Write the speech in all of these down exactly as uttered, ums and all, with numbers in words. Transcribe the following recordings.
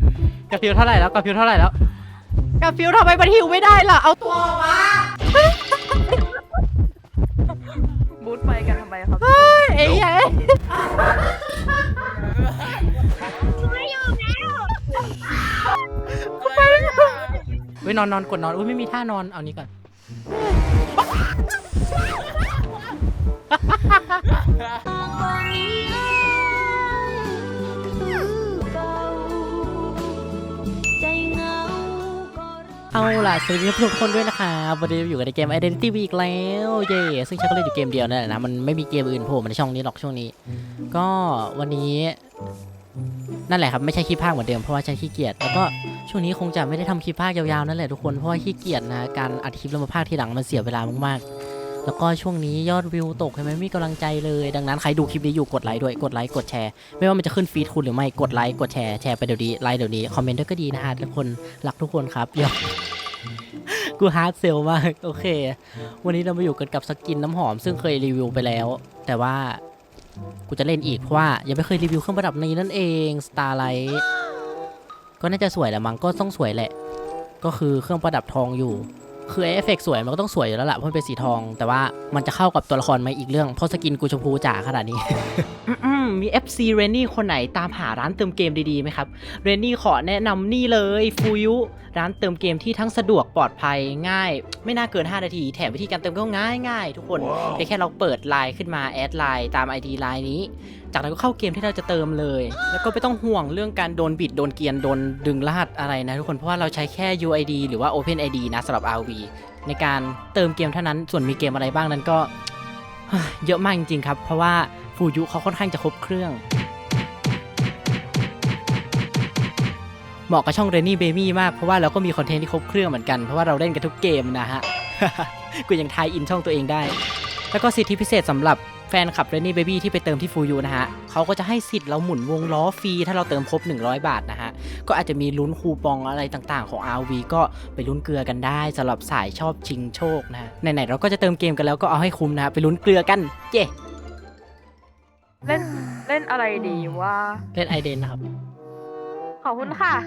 กาฟิวเท่าไหร่แล้วกาฟิวเท่าไหร่แล้วกาฟิวทำไมมันหิวไม่ได้ล่ะเอาตัวมาบูทไปกันทำไมครับเอ้ยเอ้ยไม่อยู่แล้วเว้ยนอนนอนกดนอนอุ้ยไม่มีท่านอนเอานี้ก่อนเอาล่ะสวัสดีทุกคนด้วยนะคะวันนี้อยู่ในเกม Identity อีกแล้วเย่ซึ่งฉันก็เล่นอยู่เกมเดียวนั่นแหละนะมันไม่มีเกมอื่นโผล่มาในช่องนี้หรอกช่วงนี้ก็วันนี้นั่นแหละครับไม่ใช่คลิปภาคเหมือนเดิมเพราะว่าฉันขี้เกียจแล้วก็ช่วงนี้คงจะไม่ได้ทำคลิปภาคยาวๆนั่นแหละทุกคนเพราะว่าขี้เกียจนะการอัดคลิปแล้วมาภาคทีหลังมันเสียเวลามากๆแล้วก็ช่วงนี้ยอดวิวตกใช่ไหมไม่มีกำลังใจเลยดังนั้นใครดูคลิปนี้อยู่กดไลค์ด้วยกดไลค์กดแชร์ไม่ว่ามันจะขึ้นฟีดคุณหรือไม่กดไลค์กดแชร์แชร์ไปเดี๋ยวนี้ไลค์เดี๋ยวนี้คอมเมนต์ด้วยก็ดีนะฮะทุกคนรักทุกคนครับยอดกูฮาร์ดเซลมากโอเควันนี้เรามาอยู่กันกับสกินน้ำหอมซึ่งเคยรีวิวไปแล้วแต่ว่ากูจะเล่นอีกเพราะว่ายังไม่เคยรีวิวเครื่องประดับนี้นั่นเอง Starlight ก็น่าจะสวยแหละมั้งก็ต้องสวยแหละก็คือเครื่องประดับทองอยู่คือเอฟเฟกต์สวยมันก็ต้องสวยอยู่แล้วแหละเพราะมันเป็นสีทองแต่ว่ามันจะเข้ากับตัวละครไหมอีกเรื่องเพราะสกินกูชมพูจ๋าขนาดนี้ มี เอฟ ซี เรนนี่คนไหนตามหาร้านเติมเกมดีๆไหมครับเรนนี่ขอแนะนำนี่เลยฟูยุร้านเติมเกมที่ทั้งสะดวกปลอดภัยง่ายไม่น่าเกินห้านาทีแถมวิธีการเติมก็ง่ายง่ายทุกคน wow. แค่เราเปิดไลน์ขึ้นมาแอดไลน์ตาม ไอ ดี ไลน์นี้จากนั้นก็เข้าเกมที่เราจะเติมเลยแล้วก็ไม่ต้องห่วงเรื่องการโดนบิดโดนเกียนโดนดึงรหัสอะไรนะทุกคนเพราะว่าเราใช้แค่ ยู ไอ ดี หรือว่า Open ไอ ดี นะสำหรับ อาร์ วี ในการเติมเกมเท่านั้นส่วนมีเกมอะไรบ้างนั้นก็เยอะมากจริงๆครับเพราะว่าฟูยุเขาค่อนข้างจะครบเครื่องเหมาะกับช่อง Rainy Baby มากเพราะว่าเราก็มีคอนเทนต์ที่ครบเครื่องเหมือนกันเพราะว่าเราเล่นกันทุกเกมนะฮะ กูยังทายอินช่องตัวเองได้แล้วก็สิทธิพิเศษสำหรับแฟนคลับ Rainy Baby ที่ไปเติมที่ฟูยูนะฮะเขาก็จะให้สิทธิ์เราหมุนวงล้อฟรีถ้าเราเติมครบหนึ่งร้อยบาทนะฮะก็อาจจะมีลุ้นคูปองอะไรต่างๆของ อาร์ วี ก็ไปลุ้นเกลือกันได้สำหรับสายชอบชิงโชคนะไหนๆเราก็จะเติมเกมกันแล้วก็เอาให้คุ้มนะไปลุ้นเกลือกันเย้เล่นเล่นอะไรดีวะเล่นไอเดนนะครับขอบคุณค่ะ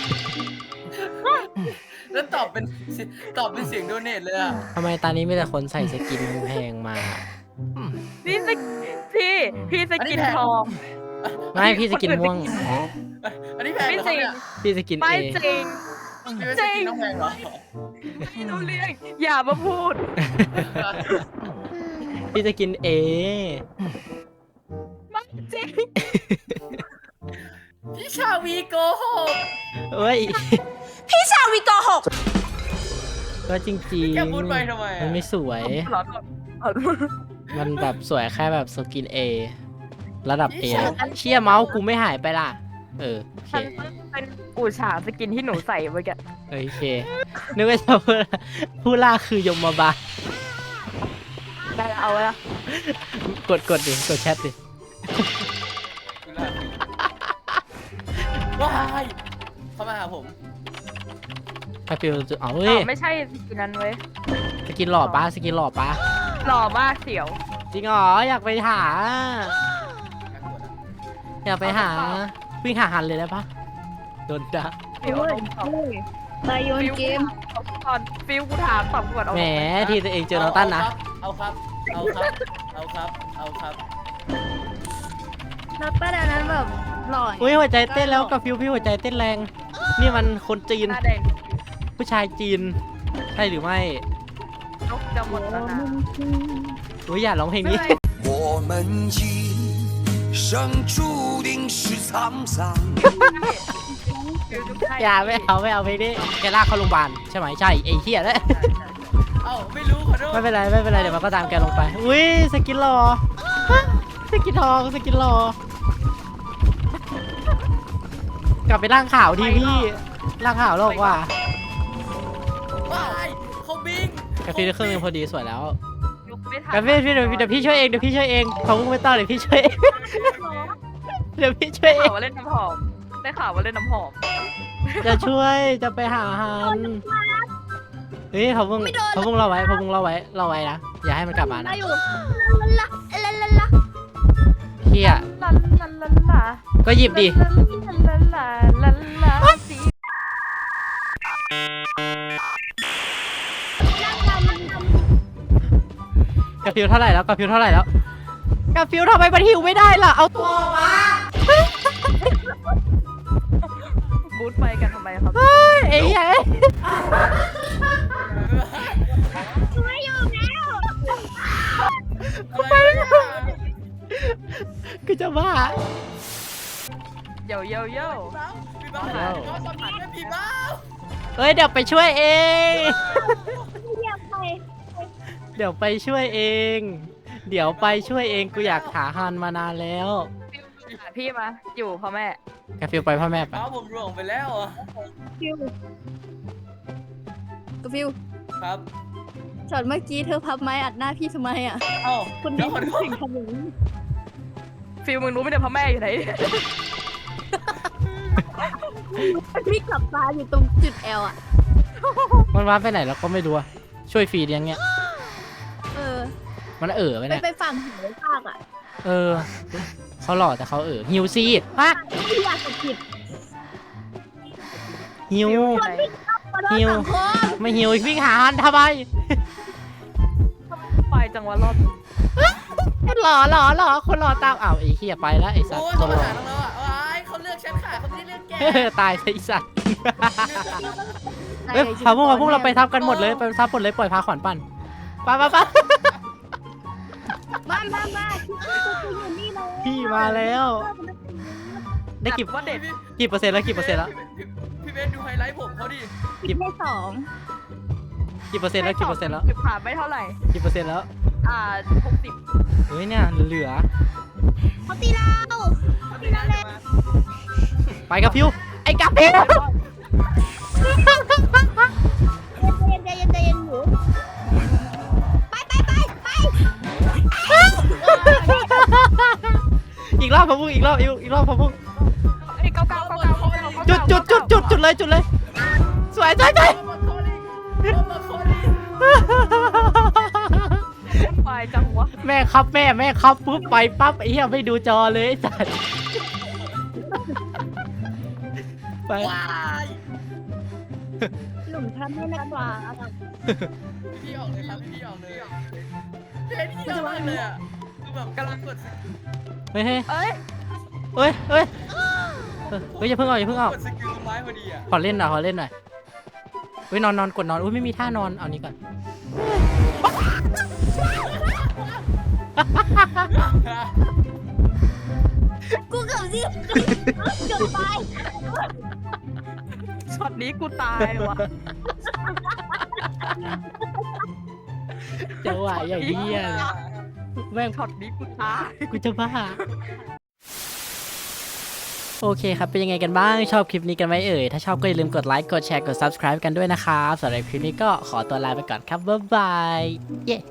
แล้วตอบเป็นตอบเป็นเสียงโดเนทเลยอะทำไมตอนนี้มีแต่คนใส่สกินแพงมานี่สพี่พี่สกินทองไม่พี่สกินม่วงอันนี้แพงเหรอเนี่ยพี่สกินเอไม่จริงจริงน้องแพงเหรอไม่รู้เรื่องอย่ามาพูดพี่สกินเอไม่จริงพี่ชาวีโกหกเฮ้ยพี่ชาวีโกหกก็จริงๆแกพูดไปทำไมมันไม่สวยมันแบบสวยแค่แบบสกิน A ระดับ A เชี่ยเมาส์กูไม่หายไปล่ะเออโอเคเป็นกูฉาสกินที่หนูใส่เมื่อกี้โอเคนึกว่าจะพูดผู้ล่าคือยมบาได้เอาละกดกดดิกดแชทดิว้ายเข้ามาหาผมไอฟิลจะเอาเว้ยไม่ใช่สกินนั้นเว้ยสกินหล่อป้าสกินหล่อป้าหล่อมากเสียวจริงเหรออยากไปหาอยากไปหาวิ่งหาหันเลยได้ปะโดนด่าฟิวตายโยนเกมตอนฟิวกูถามตอบก่อนเอาแหมทีตัวเองเจอน้องตั้นนะเอาครับเอาครับเอาครับเอาครับน้องตั้นอันนั้นแบบหล่ออุ้ยหัวใจเต้นแล้วกับฟิวพี่หัวใจเต้นแรงนี่มันคนจีนผู้ชายจีนใช่หรือไม่นกจะหมดแล้วนะอุ้ยอย่าร้องเพลงนี้อย่าไม่เอาไม่เอาเพลงนี้แกลากเข้าโรงพยาบาลใช่ไหมใช่ไอ้เหี้ยแล้วเอ้าไม่รู้ขอโทษไม่เป็นไรไม่เป็นไรเดี๋ยวมันก็ตามแกลงไปอุ้ยสกินหล่อสกินทองสกินหล่อกลับไปร่างขาวทีพี่ร่างขาวโลกว่าเขาบิงกาแฟเครื่องนึงพอดีสวยแล้วกาแฟพี่เดี๋ยวเดี๋ยวพี่ช่วยเองเดี๋ยวพี่ช่วยเองเขาไม่ต้องเดี๋ยวพี่ช่วยเองเดี๋ยวพี่ช่วยเองได้ข่าวว่าเล่นน้ำหอมได้ข่าวว่าเล่นน้ำหอมจะช่วยจะไปหาฮันเฮ้ยเขาเพิ่งเขาเพิ่งเราไว้เขาเพิ่งเราไว้เราไว้นะอย่าให้มันกลับมานะเฮียก็หยิบดิฟิวเท่าไหร่แล้วกาฟิวเท่าไหร่แล้วกาฟิวทำไมมันหิวไม่ได้ล่ะเอาตัวมาบูทไปกันทำไมครับเฮ้ยเอ้ยเอ้ยไม่อยู่แล้วอะไรเนี่ยกูจะบ้าเย่เย่เย่พี่บ้าพี่บ้าพี่บ้าสมัครเป็นพี่บ้าเฮ้ยเดี๋ยวไปช่วยเองเรียกไปเดี๋ยวไปช่วยเอง เดี๋ยวไปช่วยเองกูอยากหาฮันมานานแล้วพี่มาอยู่พ่อแม่กาฟิวไปพ่อแม่ไปเอ้าผมหลงไปแล้วอ่ะฟิวก็ฟิวครับช็อตเมื่อกี้เธอพับไม้อัดหน้าพี่ทำไมอ่ะเอ้าคุณเดี๋นี่ยวขอโทษถึงทำอย่างนี้ฟิลมึงรู้ไหมเนี่ยพ่อแม่อยู่ไหนพี่ขับตาอยู่ตรงจุดแอลอ่ะมันว้าไปไหนแล้วก็ไม่รู้อะช่วยฟีดยังเงี้ยเออมันเอ๋อไปไปเนี่ยไปฝั่งหายภาคอ่ะเออเขาหล่อแต่เขาเอ๋อฮิวซีดฮะพี่อยากจะผิดฮิวขอโทษหิวสังคมไม่ฮิววิ่งหาฮันทำไมไปจังหวะรอบหล่อหล่อหล่อคนหล่อตามอ้าวไอ้เหี้ยไปแล้วไอ้สัตโอ้ว์ยคเขานมาหล่อหาเราอ่ะว้ายเขาเลือกฉันค่ะเขาไม่ได้เลือกแกตายซะไอ้สัตว์ไหนเฮ้ยชิพาพวกโมาพวกเราไปทับกันหมดเลยไปทับหมดเลยปล่อยพาขวัญปั่นไปไปไปมามามาพี่ตัวอยู่นี่เลยพี่มาแล้ว ได้กี่ว่าเด็กกี่เปอร์เซ็นต์แล้วกี่เปอร์เซ็นต์แล้วพี่เบนดูไฮไลท์ผมเขาดิผิดได้สองกี่เปอร์เซ็นต์แล้วกี่เปอร์เซ็นต์แล้วสิบผ่านไม่เท่าไหร่กี่เปอร์เซ็นต์แล้วอ่าหกสิบเฮ้ยเนี่ยเหลือเขาตีเราเขาตีเราเลยไปกับพิวไอ้กับพิวใจเย็นใจเย็นใจเย็นหนูไปไปไปไปอีกรอบพะพุงอีกรอบอีกอีกรอบพะพุงไอ้เก้าเก้าเก้าเก้าจุดจุดจุดจุดจุดเลยจุดเลยสวยสวยสวยมาโคลิมาโคลิไปจังหวะแม่ครับแม่แม่ครับปุ๊บไปปั๊บไอ้เหี้ยไม่ดูจอเลยไอ้สัตว์ไปว้ายหลุมทำให้นักกว่าพี่ออกเลยครับพี่ออกเลยเบนพี่ออกเลยอ่ะคือแบบกำลังกดเฮ้ยเฮ้ยเอ้ยเฮ้ยเฮ้ยเฮ้ยอย่าเพิ่งออกอย่าเพิ่งออกกดสกิลไม้พอดีอ่ะขอเล่นหน่อยขอเล่นหน่อยเฮ้ยนอนนอนกดนอนอุ้ยไม่มีท่านอนเอานี้ก่อนกูเกือบสิเกือบไปช็อตนี้กูตายว่ะจังหวะอย่างเหี้ยเลยแม่งช็อตนี้กูตายกูจะบ้าโอเคครับเป็นยังไงกันบ้างชอบคลิปนี้กันไหมเอ่ยถ้าชอบก็อย่าลืมกดไลค์กดแชร์กด ซับสไครบ์ กันด้วยนะครับสำหรับคลิปนี้ก็ขอตัวลาไปก่อนครับบ๊ายบายเย้